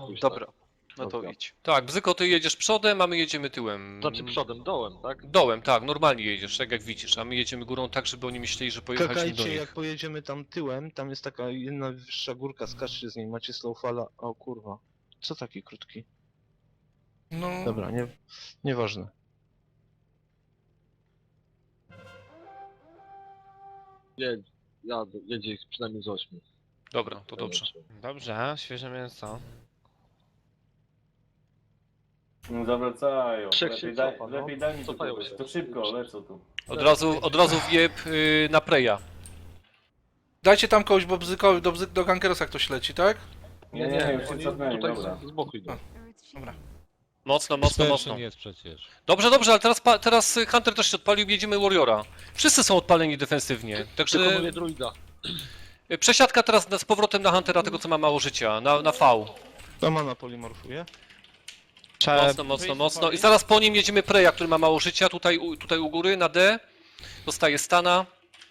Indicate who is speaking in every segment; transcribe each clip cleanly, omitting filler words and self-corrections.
Speaker 1: pójść.
Speaker 2: Dobra,
Speaker 1: Tak.
Speaker 2: no to
Speaker 1: Dobra.
Speaker 2: idź.
Speaker 3: Tak, Bzyko, ty jedziesz przodem, a my jedziemy tyłem.
Speaker 1: Znaczy przodem, dołem, tak?
Speaker 3: Dołem, tak, normalnie jedziesz, tak jak widzisz, a my jedziemy górą tak, żeby oni myśleli, że pojechaliśmy do
Speaker 4: Czekajcie,
Speaker 3: nich.
Speaker 4: jak pojedziemy tam tyłem, tam jest taka jedna wyższa górka, skaczcie z niej, macie slowfalla. O kurwa. Co taki krótki?
Speaker 5: No,
Speaker 4: Dobra, nieważne.
Speaker 1: Jedzie ich przynajmniej z 8.
Speaker 3: Dobra, to dobrze.
Speaker 6: Dobrze, świeże mięso.
Speaker 7: No zawracają.
Speaker 1: Trzech
Speaker 7: Lepiej,
Speaker 1: się
Speaker 7: daj,
Speaker 1: cofa, no.
Speaker 7: lepiej daj mi
Speaker 1: Cofają
Speaker 7: to,
Speaker 1: się.
Speaker 7: to szybko, lecą tu.
Speaker 3: Od razu wjeb na preja.
Speaker 5: dajcie tam kogoś, bo do Gankerosa ktoś leci, tak?
Speaker 7: Nie, już się
Speaker 1: oni
Speaker 7: cofnęli,
Speaker 1: tutaj
Speaker 7: dobra.
Speaker 1: z boku idą.
Speaker 3: Mocno, mocno, mocno.
Speaker 8: jest przecież.
Speaker 3: Dobrze, dobrze, ale teraz Hunter też się odpalił, jedziemy Warriora. Wszyscy są odpaleni defensywnie, także
Speaker 1: Wykonuję druida.
Speaker 3: przesiadka teraz z powrotem na Huntera, tego co ma mało życia, na V.
Speaker 4: To mana polimorfuje.
Speaker 3: Mocno, mocno, mocno. I zaraz po nim jedziemy Preja, który ma mało życia, tutaj u góry, na D. Dostaje stana.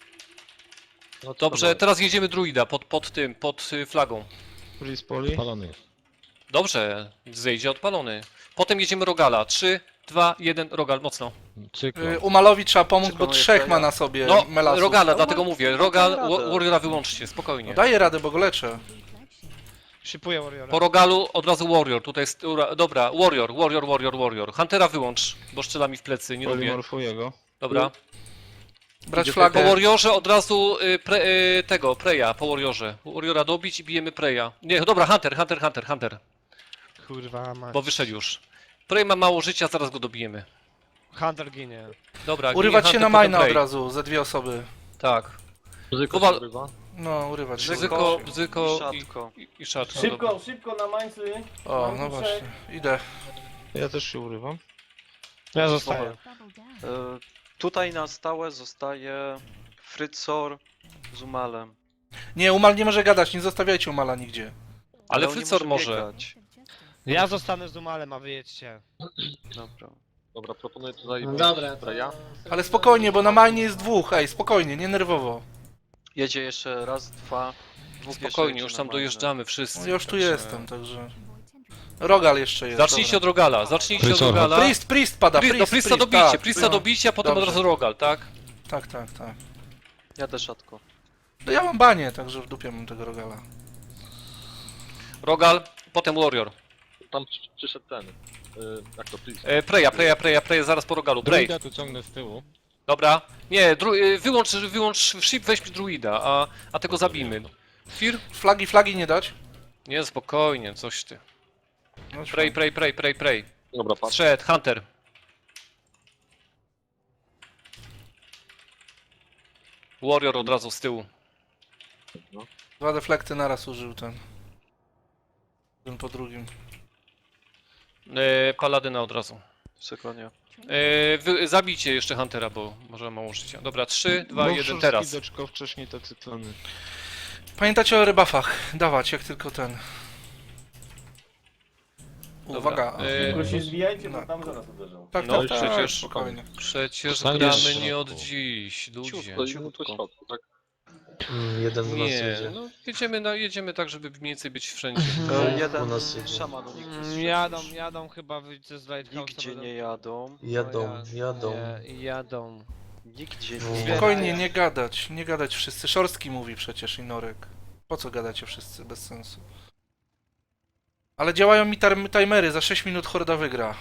Speaker 1: No to
Speaker 3: Dobrze,
Speaker 1: dobra.
Speaker 3: teraz jedziemy druida pod flagą.
Speaker 4: Freeze poli.
Speaker 8: Palony jest.
Speaker 3: Dobrze, zejdzie odpalony. Potem jedziemy Rogala. 3, 2, 1, Rogal, mocno.
Speaker 8: Cyklon.
Speaker 5: Umalowi trzeba pomóc, bo
Speaker 2: Przekonuję
Speaker 5: 3 ma
Speaker 2: Freya.
Speaker 5: na sobie
Speaker 3: No,
Speaker 5: melasów.
Speaker 3: Rogala,
Speaker 2: No,
Speaker 3: dlatego mówię. Rogal,
Speaker 2: dam radę.
Speaker 3: Warriora wyłączcie, spokojnie.
Speaker 5: No, daję radę, bo go leczę.
Speaker 6: Shipuję Warriora.
Speaker 3: Po Rogalu od razu Warrior, tutaj jest... Dobra, Warrior. Huntera wyłącz, bo strzela mi w plecy, nie lubię.
Speaker 4: Polimorfuje go.
Speaker 3: Dobra.
Speaker 5: Brać
Speaker 3: Po
Speaker 5: flagę.
Speaker 3: Warriorze od razu Preya, po Warriorze. Warriora dobić i bijemy Preya. Nie, dobra, Hunter,
Speaker 6: Kurwa mać.
Speaker 3: bo wyszedł już. Prey ma mało życia, zaraz go dobijemy.
Speaker 6: Hunter ginie.
Speaker 3: Dobra,
Speaker 5: Urywać
Speaker 3: ginie
Speaker 5: się na
Speaker 3: Hunter, potem
Speaker 5: majna od
Speaker 3: Prey.
Speaker 5: razu, ze 2 osoby.
Speaker 3: Tak.
Speaker 1: Bzyko
Speaker 3: Kowal-
Speaker 1: się urywa.
Speaker 5: No, urywać się.
Speaker 3: Bzyko
Speaker 2: Szatko.
Speaker 3: i Szatko. dobra.
Speaker 7: Szybko na mańcy.
Speaker 5: O, no właśnie. Idę.
Speaker 4: Ja też się urywam.
Speaker 6: Ja zostaję.
Speaker 2: E, tutaj na stałe zostaje Frycor z Umalem.
Speaker 5: Nie, Umal nie może gadać, nie zostawiajcie Umala nigdzie.
Speaker 3: Ale
Speaker 2: on nie
Speaker 3: Frycor może.
Speaker 2: biegać.
Speaker 6: Ja zostanę z Umalem, a wy jedźcie.
Speaker 2: Dobra.
Speaker 1: Dobra, proponuję tutaj
Speaker 9: Dobra,
Speaker 1: Freya.
Speaker 5: Ale spokojnie, bo na majnie jest 2. Ej, spokojnie, nie nerwowo.
Speaker 2: Jedzie jeszcze raz, dwa.
Speaker 3: No
Speaker 2: Dwóch
Speaker 3: spokojnie,
Speaker 2: jeszcze
Speaker 3: już
Speaker 2: jedzie
Speaker 3: tam
Speaker 2: na
Speaker 3: dojeżdżamy wszyscy.
Speaker 5: No ja już tu
Speaker 3: także-
Speaker 5: jestem, także... Rogal jeszcze jest.
Speaker 3: Zacznijcie od Rogala,
Speaker 5: dobra. Priest pada,
Speaker 3: No Priesta dobicie,
Speaker 5: tak.
Speaker 3: Priesta dobicie, a potem od
Speaker 5: Dobrze.
Speaker 3: razu Rogal, tak?
Speaker 5: Tak.
Speaker 2: Jadę szatko.
Speaker 5: No ja mam banie, także w dupie mam tego Rogala.
Speaker 3: Rogal, potem Warrior.
Speaker 1: Tam przyszedł ten. Jak to Priest.
Speaker 3: Preya, zaraz po Rogalu. Prey.
Speaker 8: Druida tu ciągnę z tyłu.
Speaker 3: Dobra. Nie, wyłącz ship, weź druida, a tego zabijmy. Fir?
Speaker 5: Flagi nie dać?
Speaker 3: Nie, spokojnie, coś ty.
Speaker 5: No,
Speaker 3: Prey.
Speaker 1: Dobra, patrz.
Speaker 3: Strzed, Hunter. Warrior od razu z tyłu.
Speaker 5: 2 deflekty naraz użył ten. Jeden po drugim.
Speaker 3: Paladyna od razu.
Speaker 2: Sekundzie.
Speaker 3: Zabijcie jeszcze Huntera, bo może ma mało życia. Dobra, 3, 2, 1, teraz.
Speaker 4: Doczko, wcześniej te cyklony.
Speaker 5: Pamiętajcie o rebuffach. Dawać, jak tylko ten. Uwaga.
Speaker 7: Tylko się zwijajcie,
Speaker 5: no.
Speaker 7: bo tam zaraz uderzą.
Speaker 5: Tak,
Speaker 3: no,
Speaker 5: tak,
Speaker 3: przecież-
Speaker 5: spokojnie.
Speaker 3: Przecież
Speaker 8: Zostaniesz
Speaker 3: gramy
Speaker 8: w
Speaker 3: nie
Speaker 8: środku.
Speaker 3: od dziś, ludzie.
Speaker 1: Ciutko, i po środku, tak?
Speaker 9: jeden z nas
Speaker 3: Nie,
Speaker 9: jedzie.
Speaker 3: no jedziemy tak, żeby mniej więcej być wszędzie.
Speaker 2: Jeden
Speaker 9: u nas jedzie.
Speaker 2: szaman u nich jest.
Speaker 6: Jadą chyba wyjdzie z Lighthouse'a.
Speaker 2: Nigdzie nie jadą.
Speaker 9: Jadą.
Speaker 6: Jadą.
Speaker 2: Nigdzie
Speaker 9: No.
Speaker 2: nie
Speaker 5: Spokojnie, nie gadać wszyscy. Szorstki mówi przecież i Norek. Po co gadacie wszyscy? Bez sensu. Ale działają mi timery, za 6 minut Horda wygra.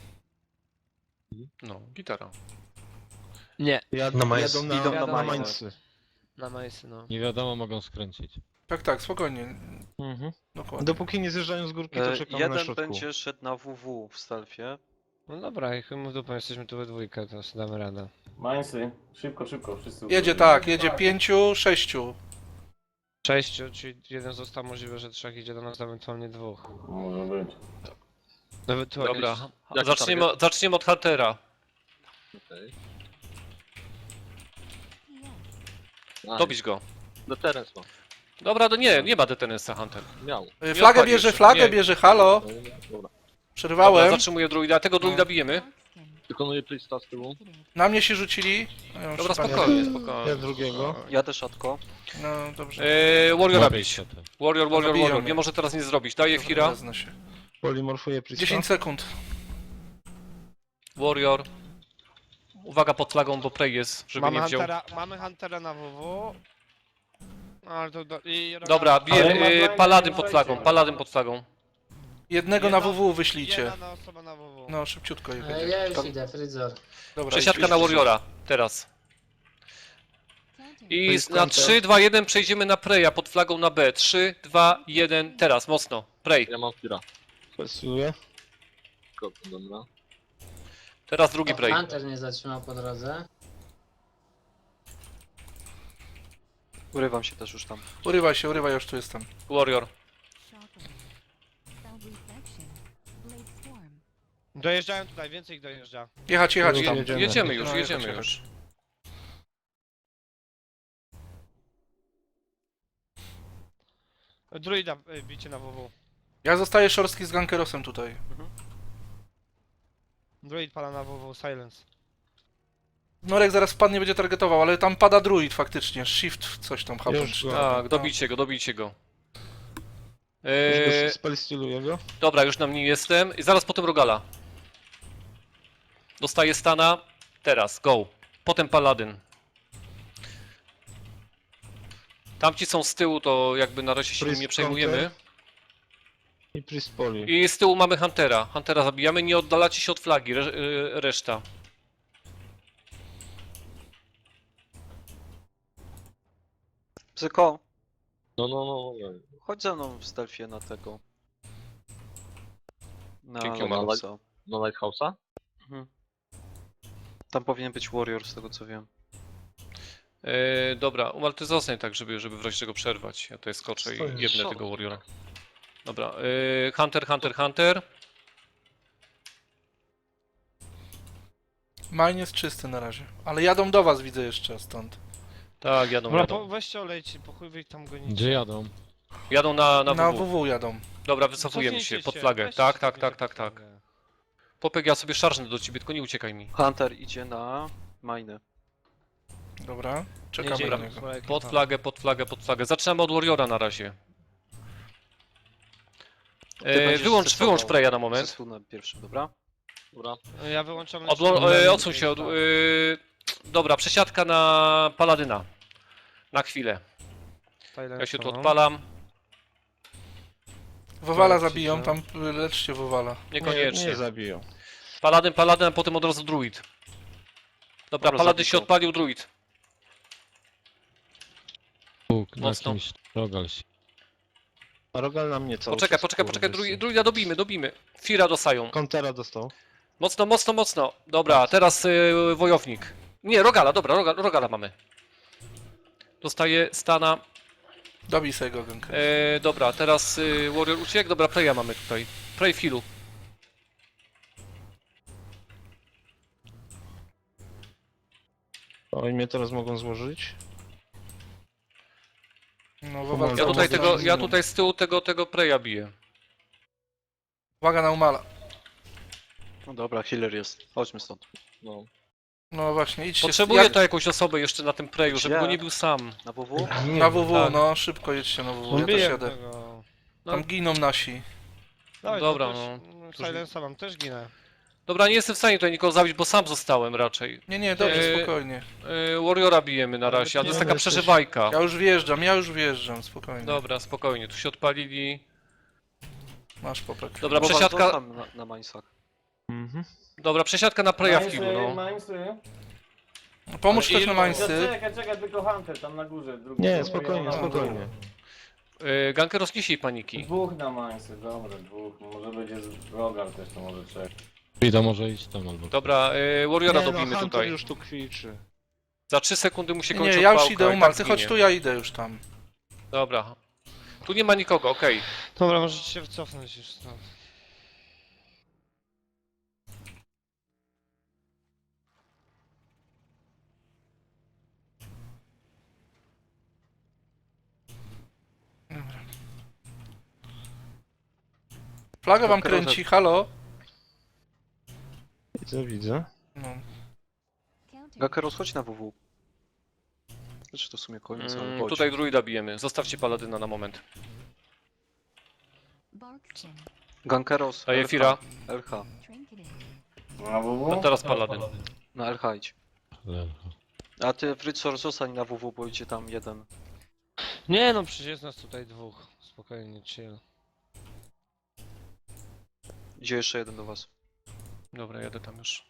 Speaker 3: No, gitara.
Speaker 6: Nie,
Speaker 9: Na majs.
Speaker 4: Jadą
Speaker 2: Idą na
Speaker 4: na
Speaker 2: majsy.
Speaker 4: mańcy.
Speaker 6: na majsy, no.
Speaker 8: Nie wiadomo, mogą skręcić.
Speaker 5: Tak, spokojnie.
Speaker 4: Mhm.
Speaker 5: Dokładnie.
Speaker 4: Dopóki nie zjeżdżają z górki, to czekamy na
Speaker 2: Jeden
Speaker 4: środku.
Speaker 2: będzie szedł na WW w stealthie.
Speaker 6: No dobra, i chuj mu w dupę, jesteśmy tu we dwójkę, to sobie damy radę.
Speaker 7: Mańcy, szybko, wszyscy.
Speaker 5: Jedzie tak, jedzie 5, 6.
Speaker 6: 6, czyli jeden został, możliwe, że 3 idzie do nas, ewentualnie 2.
Speaker 7: Może być.
Speaker 6: Ewentualnie...
Speaker 3: Dobra,
Speaker 1: Jaki
Speaker 3: zaczniemy od Huntera.
Speaker 1: Okej.
Speaker 3: Dobić go.
Speaker 1: Deterrence ma.
Speaker 3: Dobra, to nie ma detenensa Hunter.
Speaker 1: Miał.
Speaker 5: Flagę
Speaker 3: odpali
Speaker 5: bierze,
Speaker 3: jeszcze,
Speaker 5: flagę
Speaker 3: nie.
Speaker 5: bierze, halo.
Speaker 1: Dobra.
Speaker 3: Dobra,
Speaker 5: Przerwałem.
Speaker 3: zatrzymuję druida, tego druida bijemy.
Speaker 1: Wykonuje Priesta z tyłu.
Speaker 5: Na mnie się rzucili. No, ja już
Speaker 3: Dobra,
Speaker 5: spadłem.
Speaker 3: spokojnie.
Speaker 4: Ja drugiego.
Speaker 2: Jadę szatko.
Speaker 5: No dobrze.
Speaker 3: Warriora
Speaker 8: Łapie
Speaker 3: bić.
Speaker 8: się to.
Speaker 3: Warrior,
Speaker 5: Zabiją
Speaker 3: Warrior.
Speaker 5: mnie.
Speaker 3: Nie może teraz nic zrobić. Daję
Speaker 5: Dobra,
Speaker 3: Fira.
Speaker 5: wezmę się.
Speaker 4: Polimorfuję Priesta.
Speaker 5: 10 sekund.
Speaker 3: Warrior. Uwaga pod flagą, bo Prey jest, żeby nie wziął.
Speaker 6: Mamy Huntera na WW. Ale to
Speaker 3: Dobra,
Speaker 7: Ale ma blind,
Speaker 3: Paladyn
Speaker 7: nie
Speaker 3: pod
Speaker 7: ma
Speaker 3: flagą,
Speaker 7: blind.
Speaker 3: Paladyn pod flagą.
Speaker 5: Jednego na WW wyślijcie.
Speaker 6: Jedna osoba na WW.
Speaker 5: No, szybciutko je
Speaker 9: Ja
Speaker 5: będzie.
Speaker 9: już idę, Fryzor.
Speaker 5: Dobra,
Speaker 3: Przesiadka
Speaker 5: idź,
Speaker 3: na
Speaker 5: idź.
Speaker 3: Warriora, teraz.
Speaker 4: To
Speaker 3: I
Speaker 4: jest
Speaker 3: na
Speaker 4: counter.
Speaker 3: 3, 2, 1 przejdziemy na Preya pod flagą na B. 3, 2, 1, teraz, mocno. Prey.
Speaker 1: Ja mam Fira.
Speaker 4: Fesuję.
Speaker 1: Dobra.
Speaker 3: Teraz drugi Prey.
Speaker 9: Hunter nie zatrzymał po drodze.
Speaker 2: Urywam się też już tam.
Speaker 5: Urywaj, już tu jestem.
Speaker 3: Warrior.
Speaker 6: Dojeżdżają tutaj, więcej ich dojeżdża.
Speaker 5: Jechać tam.
Speaker 4: Jedziemy.
Speaker 3: Jedziemy już,
Speaker 5: No,
Speaker 3: jedziemy
Speaker 5: jechać.
Speaker 3: już.
Speaker 6: Druida bicie na WW.
Speaker 5: Ja zostaję szorstki z gankerosem tutaj.
Speaker 6: Druid pala na WW, silence.
Speaker 5: Norek zaraz wpadnie, będzie targetował, ale tam pada druid faktycznie. Shift coś tam happen.
Speaker 4: Już
Speaker 5: czy
Speaker 4: go.
Speaker 5: tam.
Speaker 3: Tak, dobijcie go.
Speaker 4: Już go spellstyluję go.
Speaker 3: Dobra, już na nim jestem. I zaraz potem Rogala. Dostaję stana. Teraz, go. Potem Paladyn. Tamci są z tyłu, to jakby na razie się nim
Speaker 4: Priest
Speaker 3: nie przejmujemy.
Speaker 4: counter. I Priest poli.
Speaker 3: I z tyłu mamy Huntera. Huntera zabijamy, nie oddalacie się od flagi, reszta.
Speaker 2: Psyko,
Speaker 1: No.
Speaker 2: chodź ze mną w stealthie na tego. Na
Speaker 3: Dzięki,
Speaker 2: Logalsa.
Speaker 1: No Lighthouse'a?
Speaker 2: Mhm. Tam powinien być Warrior z tego co wiem.
Speaker 3: Dobra, Umal, ty zostań tak, żeby w razie czego przerwać. Ja tutaj skoczę i
Speaker 9: Stoję.
Speaker 3: jebnę tego Warriora. Dobra, Hunter.
Speaker 5: Mine jest czysty na razie. Ale jadą do was, widzę jeszcze stąd.
Speaker 3: Tak,
Speaker 6: Dobra,
Speaker 3: jadą.
Speaker 6: weźcie olejcie, po chuj wy tam gonicie.
Speaker 8: Gdzie jadą?
Speaker 3: Jadą na
Speaker 5: Na
Speaker 3: WW.
Speaker 5: WW jadą.
Speaker 3: Dobra, wycofujemy
Speaker 6: Cofnijcie
Speaker 3: się pod flagę.
Speaker 6: weźcie
Speaker 3: Tak,
Speaker 6: się
Speaker 3: tak,
Speaker 6: cofnijcie
Speaker 3: tak,
Speaker 6: pod
Speaker 3: tak.
Speaker 6: flagę.
Speaker 3: Popek, ja sobie szarżnę do ciebie, tylko nie uciekaj mi.
Speaker 2: Hunter idzie na mine.
Speaker 5: Dobra, czekamy
Speaker 6: Jedzie
Speaker 5: na
Speaker 6: im
Speaker 5: niego.
Speaker 6: swoja ekipa.
Speaker 3: Pod flagę. Zaczynamy od Warriora na razie.
Speaker 2: Ty będziesz
Speaker 3: Wyłącz
Speaker 2: zestował
Speaker 3: Preya na moment.
Speaker 2: zespół na pierwszym, dobra?
Speaker 1: Dobra.
Speaker 6: Ja wyłączam
Speaker 3: Odsuń się od... Dobra, przesiadka na Paladyna. Na chwilę. Ja się tu odpalam.
Speaker 5: Wowala
Speaker 4: Tak,
Speaker 5: zabiją,
Speaker 4: cisza.
Speaker 5: tam leczcie Wowala.
Speaker 3: Niekoniecznie.
Speaker 4: Nie zabiją.
Speaker 3: Paladyn, a potem od razu druid. Dobra,
Speaker 2: Dobra,
Speaker 3: Paladyn się
Speaker 2: zabij go.
Speaker 3: odpalił, druid.
Speaker 8: Bóg, na
Speaker 3: Mocno.
Speaker 8: kimś rogal się.
Speaker 4: A Rogal na mnie cały
Speaker 3: Poczekaj,
Speaker 4: czas, kurwa,
Speaker 3: druida dobimy. Fira dostają.
Speaker 4: Countera dostał.
Speaker 3: Mocno. Dobra, teraz wojownik. Nie, Rogala, dobra, Rogala mamy. Dostaje stana.
Speaker 5: Dobij sobie go ganker.
Speaker 3: Dobra, teraz Warrior uciekł. Dobra, Preya mamy tutaj. Prey filu.
Speaker 4: Oni mnie teraz mogą złożyć.
Speaker 5: No Wowala.
Speaker 3: Ja tutaj z tyłu tego Preya biję.
Speaker 5: Uwaga na Umala.
Speaker 2: No dobra, healer jest. Chodźmy stąd.
Speaker 1: No.
Speaker 5: No właśnie, idźcie.
Speaker 3: Potrzebuję to jakąś osobę jeszcze na tym Preju, żeby
Speaker 2: Gdzie?
Speaker 3: go nie był sam.
Speaker 2: Na WW?
Speaker 5: Na WW,
Speaker 3: tak.
Speaker 5: no szybko jedźcie na WW, ja też
Speaker 6: Biję
Speaker 5: jadę.
Speaker 6: tego.
Speaker 5: Tam giną nasi.
Speaker 6: Dawaj,
Speaker 3: Dobra,
Speaker 6: to
Speaker 3: no.
Speaker 6: też, Silensa mam, też ginę.
Speaker 3: Dobra, nie jestem w stanie tutaj nikogo zabić, bo sam zostałem raczej.
Speaker 5: Nie, dobrze,
Speaker 3: Eee,
Speaker 5: spokojnie.
Speaker 3: Warriora bijemy na razie, a to jest taka
Speaker 4: jesteś-
Speaker 3: przeżywajka.
Speaker 5: Ja już wjeżdżam, spokojnie.
Speaker 3: Dobra, spokojnie, tu się odpalili.
Speaker 5: Masz popek.
Speaker 3: Dobra,
Speaker 2: Wowal
Speaker 3: przesiadka.
Speaker 2: został na minesach.
Speaker 4: Mhm.
Speaker 3: Dobra, przesiadka na Preya filu, no.
Speaker 7: Minesy.
Speaker 5: Pomóż
Speaker 3: Ale
Speaker 5: też na Mańsy.
Speaker 7: Czekaj, tylko Hunter tam na górze. Drugi.
Speaker 4: Nie, spokojnie,
Speaker 7: Ja mam
Speaker 4: spokojnie.
Speaker 3: Ganker rozniesie paniki.
Speaker 7: Dwóch na Minesy, dobra, dwóch. Może będzie Rogal też, to może trzech.
Speaker 8: Frida może iść tam albo...
Speaker 3: Dobra, Warriora
Speaker 4: Nie, no,
Speaker 3: dobijmy
Speaker 4: Hunter
Speaker 3: tutaj.
Speaker 4: już tu kwiczy.
Speaker 3: Za 3 sekundy mu się kończy
Speaker 5: Nie, ja już
Speaker 3: odpałka
Speaker 5: idę
Speaker 3: i
Speaker 5: Umal,
Speaker 3: tak
Speaker 5: ty chodź
Speaker 3: zginie.
Speaker 5: tu, ja idę już tam.
Speaker 3: Dobra. Tu nie ma nikogo, okej.
Speaker 6: Dobra, możecie się wycofnąć już stąd.
Speaker 5: Flagę wam
Speaker 2: Gankerosa-
Speaker 5: kręci, halo?
Speaker 4: Widzę.
Speaker 5: No.
Speaker 2: Gakeros, chodź na WW. Znaczy to w sumie koniec, ale chodź.
Speaker 3: Tutaj druida bijemy. Zostawcie Paladyna na moment.
Speaker 2: Gankeros.
Speaker 3: Daję
Speaker 2: LH.
Speaker 3: Fira.
Speaker 2: LH.
Speaker 7: Na WW?
Speaker 3: A teraz Paladyn.
Speaker 2: Na LH idź.
Speaker 8: Lewo.
Speaker 2: A ty Fritzor zostań na WW, bo idzie tam jeden.
Speaker 6: Nie no, przecież jest nas tutaj dwóch. Spokojnie, chill.
Speaker 2: Idzie jeszcze jeden do was.
Speaker 3: Dobra, jadę tam już.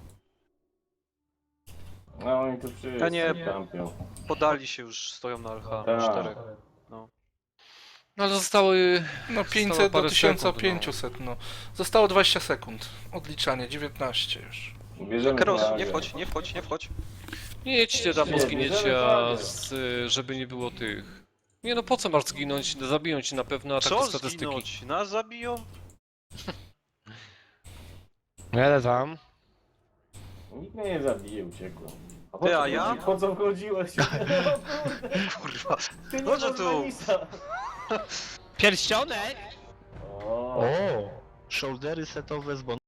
Speaker 7: No oni tu wszyscy
Speaker 2: Ja nie-
Speaker 7: kampią.
Speaker 2: Podali się już, stoją na LH.
Speaker 7: Tak.
Speaker 2: 4.
Speaker 3: No ale zostały...
Speaker 5: No
Speaker 3: Zostało
Speaker 5: 500 do
Speaker 3: parę sekund,
Speaker 5: 1500, no. Zostało 20 sekund. Odliczanie, 19 już.
Speaker 7: Bierzemy
Speaker 2: Gankeros,
Speaker 7: flagę.
Speaker 2: nie wchodź, nie wchodź, nie wchodź.
Speaker 3: Nie jedźcie tam, bo
Speaker 7: Nie,
Speaker 3: zginiecie,
Speaker 7: bierzemy
Speaker 3: a
Speaker 7: flagę.
Speaker 3: żeby nie było tych... Nie no, po co masz zginąć? Zabiją ci na pewno, a tak
Speaker 2: Co
Speaker 3: te statystyki.
Speaker 2: zginąć? Nas zabiją?
Speaker 6: Jadę tam.
Speaker 7: Nikt mnie nie zabije, uciekłem. A
Speaker 2: Ty, a
Speaker 7: co
Speaker 2: ja?
Speaker 7: chodzi- Po co wchodziłeś?
Speaker 2: Kurwa.
Speaker 7: Ty nie
Speaker 2: No co
Speaker 7: masz
Speaker 2: tu?
Speaker 7: Manisa.
Speaker 6: Pierścionek!
Speaker 7: O.
Speaker 4: O! Shouldery setowe z